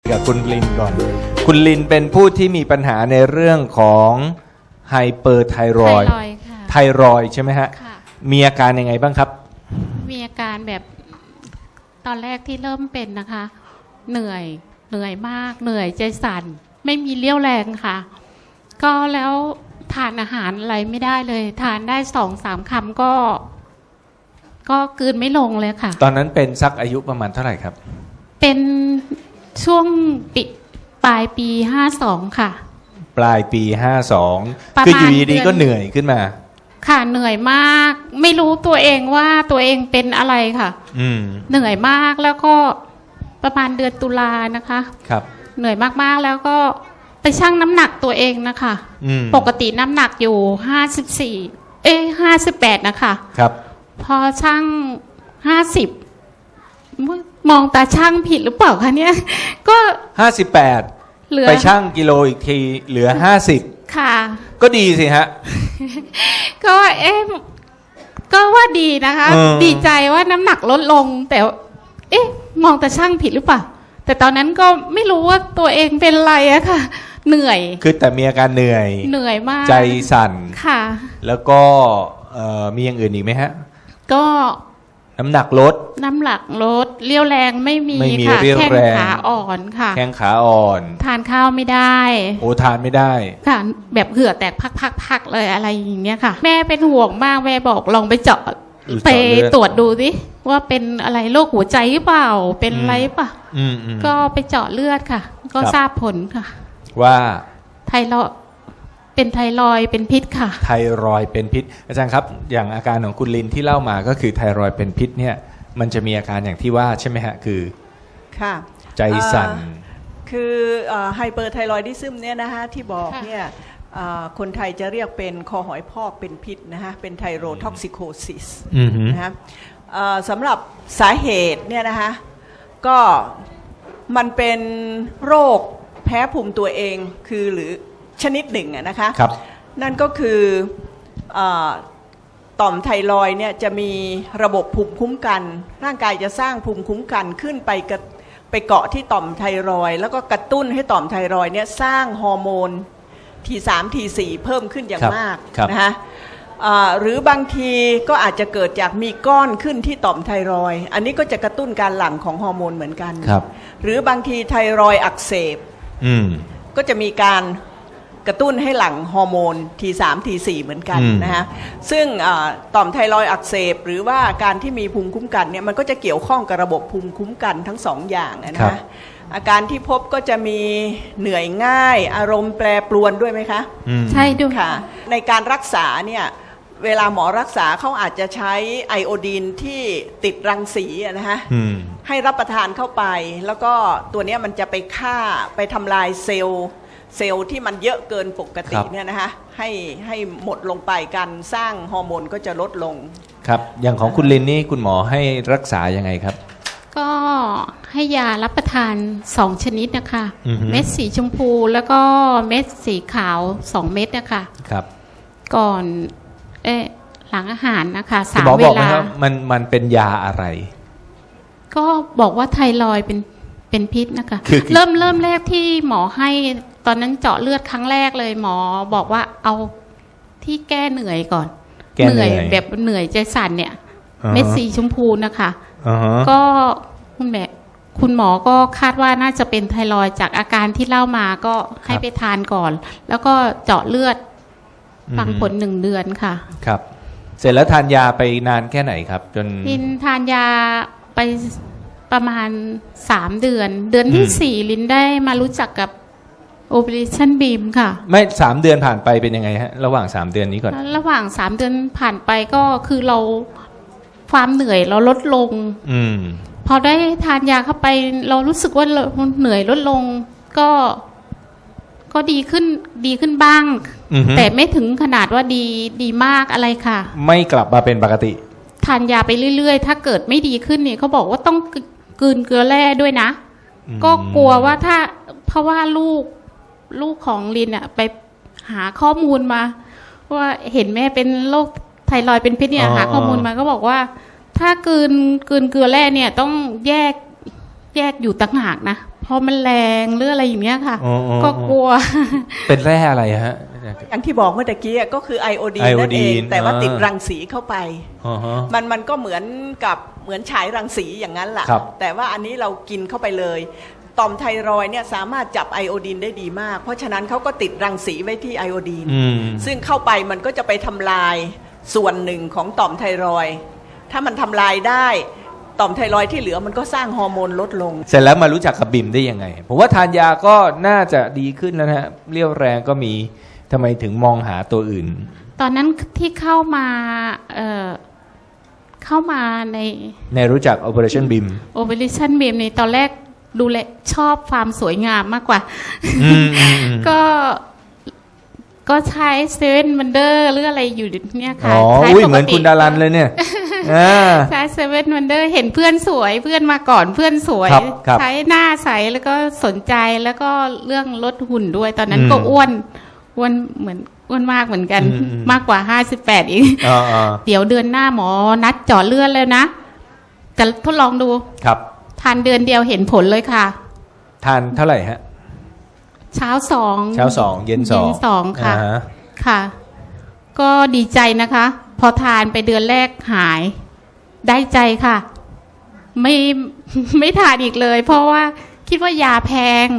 กับคุณลินก่อนคุณลินเป็นผู้ที่มีปัญหาในเรื่องของไฮเปอร์ไทรอยด์ไทรอยด์ใช่ไหมฮะมีอาการยังไงบ้างครับมีอาการแบบตอนแรกที่เริ่มเป็นนะคะเหนื่อยมากเหนื่อยใจสั่นไม่มีเรี่ยวแรงค่ะก็แล้วทานอาหารอะไรไม่ได้เลยทานได้2-3 คำก็กลืนไม่ลงเลยค่ะตอนนั้นเป็นสักอายุประมาณเท่าไหร่ครับเป็นช่วงปลายปี52ค่ะปลายปี52คืออยู่ดีๆก็เหนื่อยขึ้นมาค่ะเหนื่อยมากไม่รู้ตัวเองว่าตัวเองเป็นอะไรค่ะเหนื่อยมากแล้วก็ประมาณเดือนตุลานะคะครับเหนื่อยมากๆแล้วก็ไปชั่งน้ำหนักตัวเองนะคะปกติน้ำหนักอยู่58นะคะครับพอชั่ง50มองตาช่างผิดหรือเปล่าคะเนี่ยก็ 58ไปชั่งกิโลอีกทีเหลือ50 ค่ะก็ดีสิฮะก็ก็ว่าดีนะคะดีใจว่าน้ำหนักลดลงแต่มองตาช่างผิดหรือเปล่าแต่ตอนนั้นก็ไม่รู้ว่าตัวเองเป็นอะไรอะค่ะเหนื่อยคือแต่มีอาการเหนื่อยมากใจสั่นค่ะแล้วก็มีอย่างอื่นอีกไหมฮะก็น้ำหนักลดเรี่ยวแรงไม่มีค่ะแข้งขาอ่อนค่ะแข้งขาอ่อนทานข้าวไม่ได้โอ้ทานไม่ได้ค่ะแบบเหื่อแตกพักเลยอะไรอย่างเงี้ยค่ะแม่เป็นห่วงมากแม่บอกลองไปเจาะไปตรวจดูสิว่าเป็นอะไรโรคหัวใจหรือเปล่าเป็นอะไรป่ะก็ไปเจาะเลือดค่ะก็ทราบผลค่ะว่าไทรอยด์เป็นไทรอยด์เป็นพิษค่ะไทรอยด์เป็นพิษอาจารย์ครับอย่างอาการของคุณลินที่เล่ามาก็คือไทรอยด์เป็นพิษเนี่ยมันจะมีอาการอย่างที่ว่าใช่ไหมฮะคือค่ะใจสั่นคือไฮเปอร์ไทรอยดิซึมเนี่ยนะฮะที่บอกเนี่ยคนไทยจะเรียกเป็นคอหอยพอกเป็นพิษนะฮะเป็นไทโรท็อกซิโคซิสนะฮะสำหรับสาเหตุเนี่ยนะฮะก็มันเป็นโรคแพ้ภูมิตัวเองคือหรือชนิดหนึ่งนะคะนั่นก็คือต่อมไทรอยด์เนี่ยจะมีระบบภูมิคุ้มกันร่างกายจะสร้างภูมิคุ้มกันขึ้นไปเกาะที่ต่อมไทรอยด์แล้วก็กระตุ้นให้ต่อมไทรอยด์เนี่ยสร้างฮอร์โมน T3 T4 เพิ่มขึ้นอย่างมากนะคะหรือบางทีก็อาจจะเกิดจากมีก้อนขึ้นที่ต่อมไทรอยด์อันนี้ก็จะกระตุ้นการหลั่งของฮอร์โมนเหมือนกันหรือบางทีไทรอยด์อักเสบก็จะมีการกระตุ้นให้หลั่งฮอร์โมน T3 T4 เหมือนกันนะฮะซึ่งต่อมไทรอยด์อักเสบหรือว่าการที่มีภูมิคุ้มกันเนี่ยมันก็จะเกี่ยวข้องกับระบบภูมิคุ้มกันทั้งสองอย่างนะฮะอาการที่พบก็จะมีเหนื่อยง่ายอารมณ์แปรปรวนด้วยไหมคะใช่ด้วยค่ะในการรักษาเนี่ยเวลาหมอรักษาเขาอาจจะใช้ไอโอดีนที่ติดรังสีนะฮะให้รับประทานเข้าไปแล้วก็ตัวนี้มันจะไปฆ่าไปทำลายเซลล์ที่มันเยอะเกินปกติเนี่ยนะฮะให้หมดลงไปการสร้างฮอร์โมนก็จะลดลงครับอย่างของคุณลินนี่คุณหมอให้รักษายังไงครับก็ให้ยารับประทาน2ชนิดนะคะเม็ดสีชมพูแล้วก็เม็ดสีขาว2เม็ดนะคะครับก่อนหลังอาหารนะคะ3 เวลามันเป็นยาอะไรก็บอกว่าไทรอยด์เป็นพิษนะคะเริ่มแรกที่หมอให้ตอนนั้นเจาะเลือดครั้งแรกเลยหมอบอกว่าเอาที่แก้เหนื่อยก่อนเหนื่อยแบบเหนื่อยใจสั่นเนี่ยเม็ดสีชมพูนะคะก็คุณหมอก็คาดว่าน่าจะเป็นไทรอยด์จากอาการที่เล่ามาก็ให้ไปทานก่อนแล้วก็เจาะเลือดฟังผล1 เดือนค่ะครับเสร็จแล้วทานยาไปนานแค่ไหนครับจนลินทานยาไปประมาณ3 เดือนที่4ลินได้มารู้จักกับ Operation Beam ค่ะไม่3 เดือนผ่านไปเป็นยังไงฮะระหว่าง3 เดือนนี้ก่อนระหว่าง3 เดือนผ่านไปก็คือเราความเหนื่อยเราลดลงพอได้ทานยาเข้าไปเรารู้สึกว่าเราเหนื่อยลดลงก็ดีขึ้นบ้างแต่ไม่ถึงขนาดว่าดีมากอะไรค่ะไม่กลับมาเป็นปกติทานยาไปเรื่อยๆถ้าเกิดไม่ดีขึ้นเนี่ยเขาบอกว่าต้องกลืนเกลือแร่ด้วยนะก็กลัวว่าเพราะว่าลูกของลินไปหาข้อมูลมาว่าเห็นแม่เป็นโรคไทรอยด์เป็นพิษเนี่ยหาข้อมูลมาก็บอกว่าถ้ากลืนเกลือแร่เนี่ยต้องแยกอยู่ต่างหากนะเพพอมันแรงหรืออะไรอย่างเงี้ยค่ะก็กลัวเป็นแร่อะไรฮะอย่างที่บอกเมื่อตะกี้ก็คือไอโอดีนนั่นเองแต่ว่าติดรังสีเข้าไปมันก็เหมือนฉายรังสีอย่างนั้นแหละแต่ว่าอันนี้เรากินเข้าไปเลยต่อมไทรอยด์เนี่ยสามารถจับไอโอดีนได้ดีมากเพราะฉะนั้นเขาก็ติดรังสีไว้ที่ไอโอดีนซึ่งเข้าไปมันก็จะไปทำลายส่วนหนึ่งของต่อมไทรอยด์ถ้ามันทำลายได้ต่อมไทรอยด์ที่เหลือมันก็สร้างฮอร์โมนลดลงเสร็จแล้วมารู้จักกับบิมได้ยังไงผมว่าทานยาก็น่าจะดีขึ้นแล้วนะฮะเรี่ยวแรงก็มีทำไมถึงมองหาตัวอื่นตอนนั้นที่เข้ามาในรู้จัก Operation BIM Operation BIM ในตอนแรกดูแลชอบความสวยงามมากกว่าก็ใช้เซเว่นวันเดอร์หรืออะไรอยู่เนี่ยค่ะใช้ปกติเหมือนคุณดารันเลยเนี่ยใช้เซเว่นวันเดอร์เห็นเพื่อนสวยเพื่อนมาก่อนเพื่อนสวยใช้หน้าใสแล้วก็สนใจแล้วก็เรื่องลดหุ่นด้วยตอนนั้นก็อ้วนเหมือนอ้วนมากเหมือนกันมากกว่า58อีกเดี๋ยวเดือนหน้าหมอนัดเจาะเลือดแล้วนะจะทดลองดูครับทานเดือนเดียวเห็นผลเลยค่ะทานเท่าไหร่ฮะเช้า2 เย็น 2ค่ะค่ะก็ดีใจนะคะพอทานไปเดือนแรกหายได้ใจค่ะไม่ทานอีกเลยเพราะว่าคิดว่ายาแพง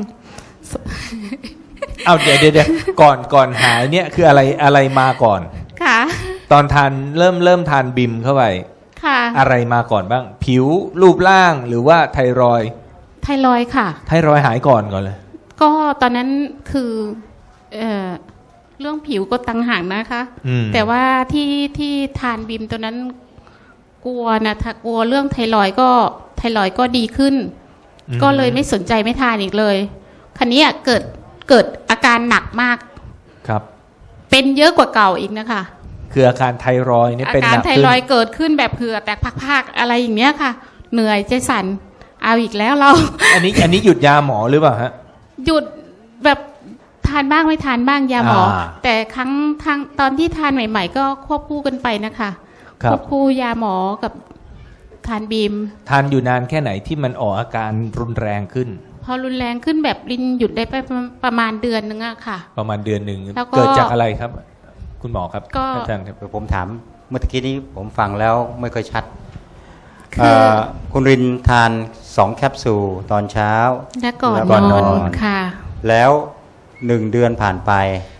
เอาเดี๋ยวก่อนหายเนี่ยคืออะไรมาก่อนค่ะตอนทานเริ่มทานบิมเข้าไปค่ะอะไรมาก่อนบ้างผิวรูปร่างหรือว่าไทรอยด์ค่ะไทรอยด์หายก่อนเลยก็ตอนนั้นคือเรื่องผิวก็ต่างหากนะคะแต่ว่าที่ทานบิมตัวนั้นกลัวนะถ้ากลัวเรื่องไทรอยด์ก็ดีขึ้นก็เลยไม่สนใจไม่ทานอีกเลยคันนี้เกิดอาการหนักมากครับเป็นเยอะกว่าเก่าอีกนะคะคืออาการไทรอยด์นี่เป็นหนักขึ้นอาการไทรอยด์เกิดขึ้นแบบเผื่อแตกพักๆอะไรอย่างเงี้ยค่ะเหนื่อยใจสั่นเอาอีกแล้วเราอันนี้หยุดยาหมอหรือเปล่าฮะหยุดแบบทานบ้างไม่ทานบ้างยาหมอแต่ตอนที่ทานใหม่ๆก็ควบคู่กันไปนะคะควบคู่ยาหมอกับทานบีมทานอยู่นานแค่ไหนที่มันออกอาการรุนแรงขึ้นพอรุนแรงขึ้นแบบลินหยุดได้ไปประมาณเดือนนึงอะค่ะประมาณเดือนนึงเกิดจากอะไรครับคุณหมอครับอาจารย์ผมถามเมื่อกี้นี้ผมฟังแล้วไม่ค่อยชัดคุณรินทาน2แคปซูลตอนเช้าและก่อนนอนค่ะแล้ว1เดือนผ่านไป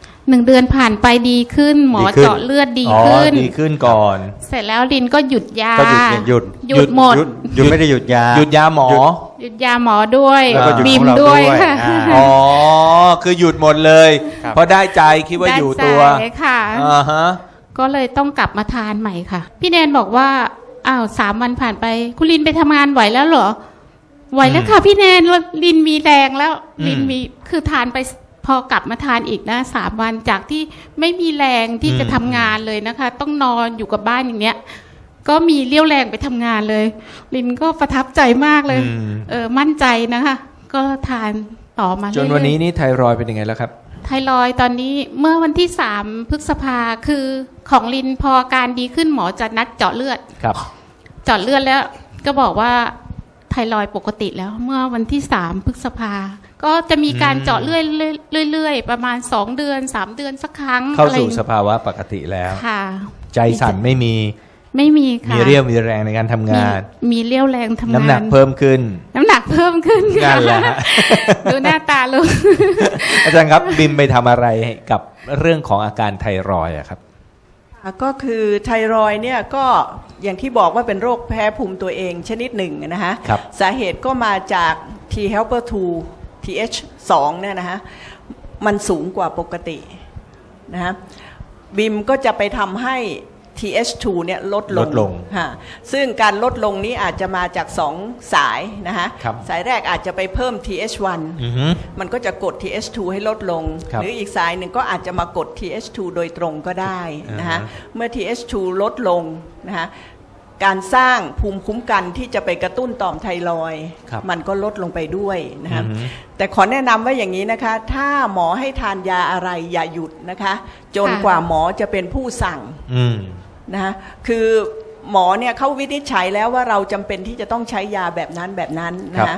1เดือนผ่านไปดีขึ้นหมอเจาะเลือดดีขึ้นก่อนเสร็จแล้วลินก็หยุดยาหยุดหมดหยุดไม่ได้หยุดยาหยุดยาหมอหยุดยาหมอด้วยบิมด้วยค่ะอ๋อคือหยุดหมดเลยเพราะได้ใจคิดว่าอยู่ตัวค่ะก็เลยต้องกลับมาทานใหม่ค่ะพี่แนนบอกว่าอ้าว3 วันผ่านไปคุณลินไปทำงานไหวแล้วเหรอไหวแล้วค่ะพี่แนนลินมีแรงแล้วลินมีคือทานไปพอกลับมาทานอีกนะ3 วันจากที่ไม่มีแรงที่จะทำงานเลยนะคะต้องนอนอยู่กับบ้านอย่างเนี้ยก็มีเรี่ยวแรงไปทำงานเลยลินก็ประทับใจมากเลยมั่นใจนะคะก็ทานต่อมาจนวันนี้นี่ไทรอยด์เป็นยังไงแล้วครับไทรอยด์ตอนนี้เมื่อวันที่3 พฤษภาคือของลินพอการดีขึ้นหมอจะนัดเจาะเลือดครับเจาะเลือดแล้วก็บอกว่าไทรอยด์ปกติแล้วเมื่อวันที่3 พฤษภาก็จะมีการเจาะเรื่อยๆประมาณ2 เดือน3 เดือนสักครั้งเข้าสู่สภาวะปกติแล้วค่ะใจสั่นไม่มีค่ะมีเรี่ยวมีแรงในการทำงานมีเรี่ยวแรงทำงานน้ำหนักเพิ่มขึ้นนั่นแหละดูหน้าตาลูกอาจารย์ครับบิมไปทำอะไรกับเรื่องของอาการไทรอยด์ครับก็คือไทรอยด์เนี่ยก็อย่างที่บอกว่าเป็นโรคแพ้ภูมิตัวเองชนิดหนึ่งนะฮะสาเหตุก็มาจาก T helper 2 TH2 เนี่ยนะฮะมันสูงกว่าปกตินะฮะบิมก็จะไปทำให้ TH2 เนี่ยลดลงซึ่งการลดลงนี้อาจจะมาจาก2 สายนะฮะสายแรกอาจจะไปเพิ่ม TH1 มันก็จะกด TH2 ให้ลดลงหรืออีกสายหนึ่งก็อาจจะมากด TH2 โดยตรงก็ได้นะฮะเมื่อ TH2 ลดลงนะฮะการสร้างภูมิคุ้มกันที่จะไปกระตุ้นต่อมไทรอยด์มันก็ลดลงไปด้วยนะฮะแต่ขอแนะนำว่าอย่างนี้นะคะถ้าหมอให้ทานยาอะไรอย่าหยุดนะคะจนกว่าหมอจะเป็นผู้สั่งนะคือหมอเนี่ยเขาวินิจฉัยแล้วว่าเราจำเป็นที่จะต้องใช้ยาแบบนั้นนะฮะ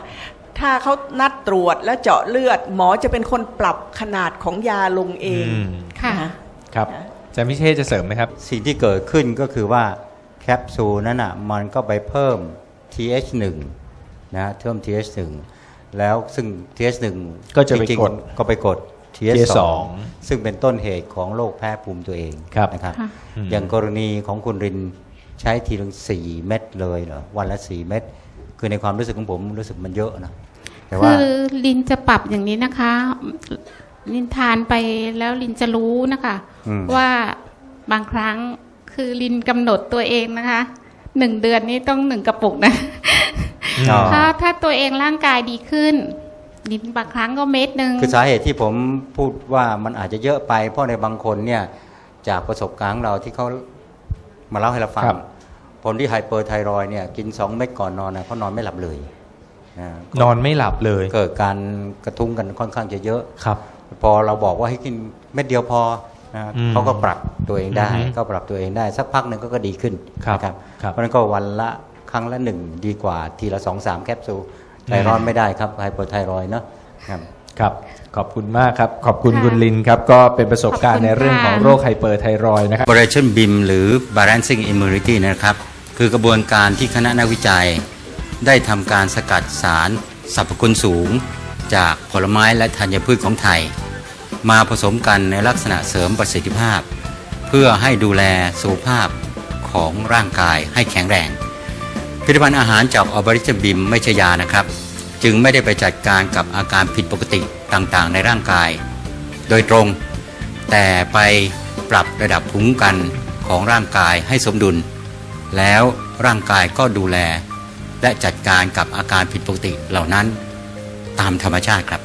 ถ้าเขานัดตรวจแล้วเจาะเลือดหมอจะเป็นคนปรับขนาดของยาลงเองค่ะครับอาจารย์พิเชษจะเสริมไหมครับสิ่งที่เกิดขึ้นก็คือว่าแคปซูลนั้นมันก็ไปเพิ่ม TH1 นะเพิ่ม TH1 แล้วซึ่ง TH1 ก็จะไปจริงกดๆก็ไปกด TH2 TH2 ซึ่งเป็นต้นเหตุของโรคแพ้ภูมิตัวเองครับนะครับค่ะอย่างกรณีของคุณรินใช้ทีละ4 เม็ดเลยเหรอวันละ4 เม็ดคือในความรู้สึกของผมรู้สึกมันเยอะนะแต่ว่าคือลินจะปรับอย่างนี้นะคะ ลินทานไปแล้วลินจะรู้นะคะ ว่าบางครั้งคือลินกำหนดตัวเองนะคะ 1 เดือนนี้ต้อง1 กระปุกนะอ๋อถ้าตัวเองร่างกายดีขึ้น ลินบางครั้งก็เม็ดนึงคือสาเหตุที่ผมพูดว่ามันอาจจะเยอะไปเพราะในบางคนเนี่ยจากประสบการณ์ของเราที่เขามาเล่าให้เราฟังครับคนที่ไฮเปอร์ไทรอยด์เนี่ยกิน2 เม็ดก่อนนอนนะเขานอนไม่หลับเลยนะนอนไม่หลับเลยเกิดการกระทุ้งกันค่อนข้างจะเยอะครับพอเราบอกว่าให้กินเม็ดเดียวพอนะอืมเขาก็ปรับตัวเองได้อือฮึก็ปรับตัวเองได้สักพักหนึ่งก็ดีขึ้นครับนะครับครับเพราะฉะนั้นก็วันละครั้งละ1ดีกว่าทีละ 2-3 แคปซูลไทรอยด์ไม่ได้ครับไฮเปอร์ไทรอยด์เนาะครับครับขอบคุณมากครับ ขอบคุณค่ะคุณลินครับ ก็เป็นประสบการขอบณ์คุณในเรื่องของค่ะโรคไฮเปอร์ไทรอยด์นะครับ Operation BIM หรือ Balancing Immunity นะครับ คือกระบวนการที่คณะนักวิจัย ได้ทำการสกัดสารสรรพคุณสูง จากผลไม้และธัญพืชของไทย มาผสมกันในลักษณะเสริมประสิทธิภาพ เพื่อให้ดูแลสุขภาพของร่างกายให้แข็งแรง ผลิตภัณฑ์อาหารจาก Operation BIM ไม่ใช่ยานะครับ จึงไม่ได้ไปจัดการกับอาการผิดปกติต่างๆ ในร่างกาย โดยตรง แต่ไปปรับระดับภูมิคุ้มกันของร่างกายให้สมดุล แล้วร่างกายก็ดูแล และจัดการกับอาการผิดปกติเหล่านั้นตามธรรมชาติครับ